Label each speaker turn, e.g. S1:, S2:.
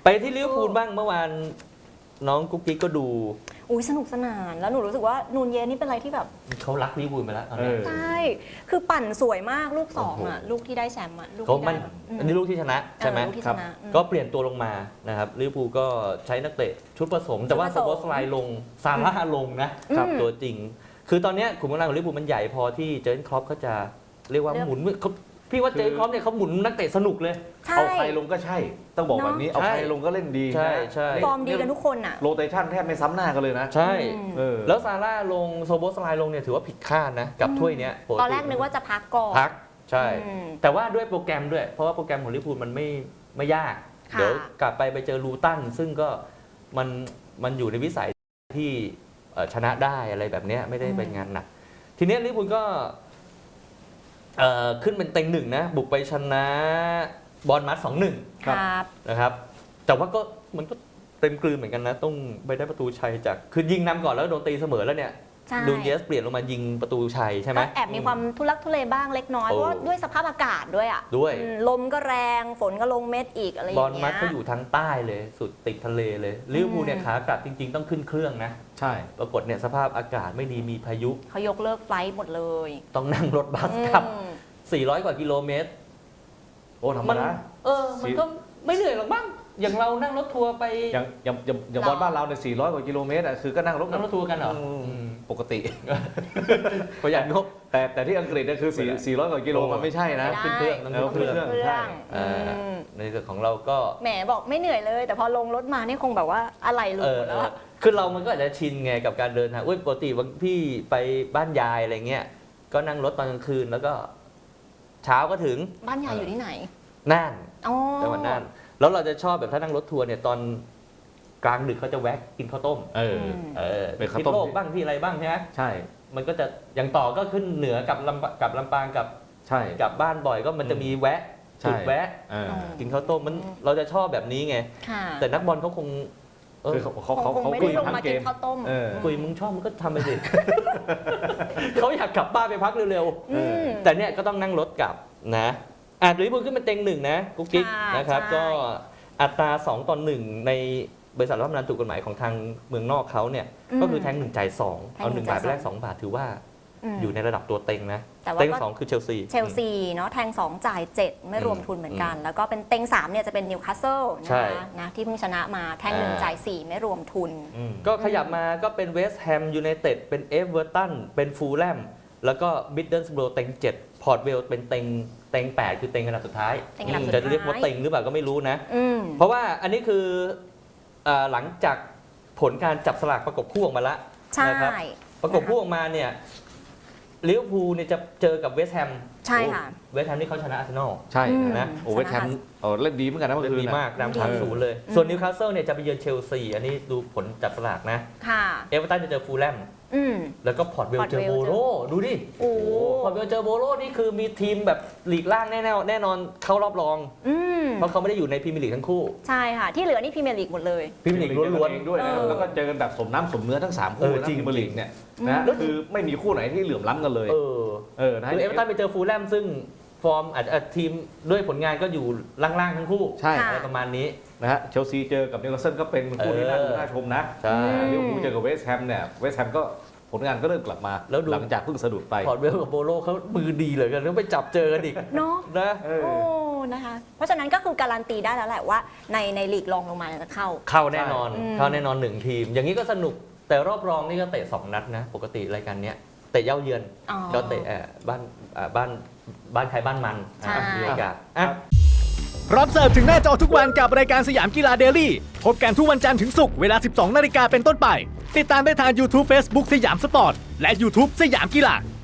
S1: ไปที่ลิเวอร์พูลบ้างเมื่อวานน้องกุ๊กกิ๊กก็ดู
S2: อุ้ยสนุกสนานแล้วหนูรู้สึกว่านูนเยสนี่เป็นอะไรที่แบบ
S1: เขารักลิเวอร์พูลไปแล้วตอนนี้
S2: ใช่คือปั่นสวยมากลูก2อ่ะลูกที่ได้แชมป์อ่ะลูก
S1: เขา
S2: ที่
S1: มั
S2: ได้
S1: น
S2: แบบ
S1: อันนี้ลูกที่ชนะใช่ไหม
S2: ลูกที่
S1: ครั
S2: ชนะ
S1: ก็เปลี่ยนตัวลงมานะครับลิเวอร์พูลก็ใช้นักเตะชุดผสมแต่ว่าสปอร์ตไลน์ลงซาร่าลงนะครับตัวจริง คือตอนนี้ขุมกำลังของลิเวอร์พูลมันใหญ่พอที่เจอร์เก้นคล็อปเขาจะเรียกว่าหมุนพี่ว่าเจอร์เก้นคล็อปเนี่ยเขาหมุนนักเตะสนุกเลย
S2: ใช่
S3: เอาใครลงก็ใช่ ต้องบอกแบบนี้เอาใครลงก็เล่นดี
S1: ใช่ใช่
S2: ฟอร์มดีกันทุกคนอ่ะ
S3: โรเตชันแทบไม่ซ้ำหน้ากันเลยนะ
S1: ใช่
S3: แล้ว
S1: แล้วซาร่าลงโซโบสไลน์ลงเนี่ยถือว่าผิดคาดนะกับถ้วยเนี้ย
S2: ตอนแรกนึกว่าจะพักก่อน
S1: พักใช่
S2: อืม
S1: แต่ว่าด้วยโปรแกรมด้วย เพราะว่าโปรแกรมของลิเวอร์พูลมันไม่ยาก
S2: ค่ะ
S1: เดี๋ยวกลับไปเจอลูตันซึ่งก็มันอยู่ในวิสัยที่ชนะได้อะไรแบบเนี้ยไม่ได้เป็นงานหนัก ทีเนี้ยลิเวอร์พูลก็ขึ้นเป็นเต็งหนึ่งนะบุกไปชนะบอลมัด 2-1
S2: ครับ
S1: นะครับแต่ว่าก็มันก็เต็มกลืนเหมือนกันนะต้องไปได้ประตูชัยจากคือยิงนำก่อนแล้วโดนตีเสมอแล้วเนี่ย
S2: ใช่
S1: ดูเยสเปลี่ยนลงมายิงประตูชัยใช่ไหม
S2: ก็แอบมีความทุลักทุเลบ้างเล็กน้อย
S1: โอ้
S2: เพราะว่าด้วยสภาพอากาศด้วยอ่ะ
S1: ด้วย
S2: ลมก็แรงฝนก็ลงเม็ดอีกอะไรอบ
S1: อย่าง ล
S2: เงี้ย
S1: มัดเขาอยู่ทางใต้เลยสุดติดทะเลเลยลิเวอร์พูลเนี่ยขากลับจริงๆต้องขึ้นเครื่องนะ
S3: ใช่
S1: ปรากฏเนี่ยสภาพอากาศไม่ดีมีพายุ
S2: เขายกเลิกไฟลท์หมดเลย
S1: ต้องนั่งรถบัสกลับ
S2: อืม
S1: 400 กว่ากิโลเมตร
S3: โอ้ธรรมดา
S1: มันก็ไม่เหนื่อยหรอกบ้างอย่างเรานั่งรถทัวร์ไป
S3: อย่างบอลบ้านเราเนี่ย400 กว่ากิโลเมตรคือก็นั่งรถ
S1: นั่งรถทัวร์กันเหรอ
S3: ปกติ
S1: ประหยัดงบ
S3: แต่ที่อังกฤษเนี่ยคือ400 กว่ากิโลมันไม่ใช่นะ
S2: ไม่ได้
S1: ขึ้นเครื่องต้อง
S3: เอา
S1: ขึ้นเครื่อง
S3: ใช่
S1: อ่าในส่วนของเราก็
S2: แหมบอกไม่เหนื่อยเลย แต่พอลงรถมานี่คงแบบว่าอะไรหลุดหมดแล้วอะ
S1: คือเรามันก็อาจจะชินไงกับการเดินทางปกติบางพี่ไปบ้านยายอะไรเงี้ยก็นั่งรถตอนกลางคืนแล้วก็เช้าก็ถึง
S2: บ้านยายอยู่ที่ไหน
S1: น่าน
S2: อ๋อ
S1: จังหวัดน่านแล้วเราจะชอบแบบถ้านั่งรถทัวร์เนี่ยตอนกลางดึกเขาจะแวะกินข้าวต้ม
S3: เป็นข้าว
S1: ที่
S3: ต้ม
S1: โลกบ้างที่อะไรบ้างใช่ไหม
S3: ใช่
S1: มันก็จะอย่างต่อก็ขึ้นเหนือกับลำปางกับ
S3: ใช่
S1: กับบ้านบ่อยก็มันจะมีแวะ
S3: ใช่
S1: จุดแวะ
S3: อ่า
S1: กินข้าวต้มมันเราจะชอบแบบนี้ไง
S2: ค่ะ
S1: แต่นักบอลเขาคงเออ
S3: คือเขา
S2: คงไม่
S3: คุ
S2: ได้
S3: ย
S2: ลง
S3: ทั้ง
S2: มา
S3: เก
S2: กิน
S3: ม
S2: ข้าวต้ม
S1: คุยมึงชอบมึงก็ทำไปสิ เขาอยากกลับบ้านไปพักเร็ว
S2: อืม
S1: ๆแต่เนี่ยก็ต้องนั่งรถกลับนะลิเวอร์พูลขึ้นเป็นเต็งหนึ่งนะกุ๊กกิ๊ก
S2: ค่ะ
S1: นะครับ
S2: ใช่
S1: ก็อัตรา2-1ในบริษัทรับทำงานถูกกฎหมายของทางเมืองนอกเขาเนี่ยก็คือแทง1จ่าย2เอา1 บาทไปแลก2 บาทถือว่าอยู่ในระดับตัวเต็งนะ
S2: แต่ว่า
S1: เต็ง
S2: ก็
S1: 2คือเชลซี
S2: เชลซีเนาะแทง 2 จ่าย 7 ไม่รวมทุนเหมือนกัน แล้วก็เป็นเต็ง 3 เนี่ยจะเป็นนิวคาสเซิล
S1: ใช่
S2: นะคะนะที่เพิ่งชนะมาแทง 1 จ่าย 4 ไม่รวมทุน
S1: ก็ขยับมาก็เป็นเวสต์แฮมยูไนเต็ดเป็นเอเวอร์ตันเป็นฟูลแลมแล้วก็มิดเดิลสโบร์เต็ง7พอร์ตเวลเป็นเต็ง8คือเต็งอันดับสุดท้าย
S2: เต็งอันดับสุดท้าย
S1: จะเรียกว่าเต็งหรือเปล่าก็ไม่รู้นะ
S2: อืม
S1: เพราะว่าอันนี้คือหลังจากผลการจับสลากประกบคู่ออกมาแล้ว
S2: ใช่
S1: นะครับประกบคู่ออกมาเนี่ยลิเวอร์พูลเนี่ยจะเจอกับเวสต์แฮม
S2: ใช่ค่ะ
S1: เวสต์แฮมนี่เขาชนะอาร์เซนอล
S3: ใช่
S2: อืม
S3: นะโอ้เวสต์แฮมเล่นดีเหมือนกันนะเมื่อ
S1: เล่น
S3: คืน
S1: ดี
S3: นะ
S1: มากนำ
S2: ดี
S1: 3-0เลย ส่วนนิวคาสเซิลเนี่ยจะไปเยือนเชลซีอันนี้ดูผลจับสลากนะ
S2: ค่ะ
S1: เอเวอร์ตันจะเจอฟูลแลม
S2: อืม
S1: แล้วก็พอร์ตเวล
S2: Port
S1: เจอ
S2: Vale
S1: โบโลดูดิ
S2: โอ้
S1: พอร์ตเวลเจอโบโลนี่คือมีทีมแบบลีกล่างแน่นอนเข้ารอบรอง
S2: อืม
S1: เพราะเขาไม่ได้อยู่ในพรีเมียร์ลีกทั้งคู่
S2: ใช่ค่ะ ที่เหลือนี่พรีเมียร์ลีกหมดเลย
S1: พรีเมียร์ลีกล้วน
S3: เองด้วยนะ
S2: เออ
S3: แล้วก็เจอกันแบบสมน้ำสมเนื้อทั้ง3คู่นะ
S1: จริง
S3: พรีเมียร์ลีกเนี่ยนะคือไม่มีคู่ไหนที่เหลื่อมล้ำกันเลย
S1: ๆ
S3: นะ
S1: คือเอเวอร์ตันไปเจอฟูลแลมซึ่งฟอร์มอาจจะทีมด้วยผลงานก็อยู่ล่างๆทั้งคู่
S3: ใช่
S1: อะไรประมาณนี้
S3: นะฮะเชลซีเจอกับนิวคาสเซิลก็เป็นคู่ที่น่าชมนะ
S1: ใช่
S3: ลิเวอร์พูลเจอกับเวสต์แฮมเนี่ยเวสต์แฮมก็ผลงานก็เริ่มกลับมา
S1: แล้วดู
S3: หลังจากเพิ่งสะดุดไป
S1: พอร์ตเวลกับโบโลเขามือดีเหลยกันแล้วไปจับเจอกันอีก
S2: เนาะ
S1: นะ
S3: เออ
S2: โอ้ นะคะ เพราะฉะนั้นก็คือการันตีได้แล้วแหละว่าในลีกรองลงมาเนี่ยจะเข้า
S1: เข้าแน่นอน
S2: อืม
S1: เข้าแน่นอน1ทีม อย่างนี้ก็สนุกแต่รอบรองนี่ก็เตะ2นัดนะปกติรายการเนี้ยเตะเย้าเยือน
S2: อ๋อ
S1: ก็เตะบ้านใครบ้านมัน
S2: ใช่
S1: บรรยากาศอ่ะ
S4: พร้อมเสิร์ฟถึงหน้าจอทุกวันกับรายการสยามกีฬาเดลี่พบกันทุกวันจันทร์ถึงศุกร์เวลา 12 นาฬิกาเป็นต้นไป ติดตามได้ทาง YouTube Facebook สยามสปอร์ต และ YouTube สยามกีฬา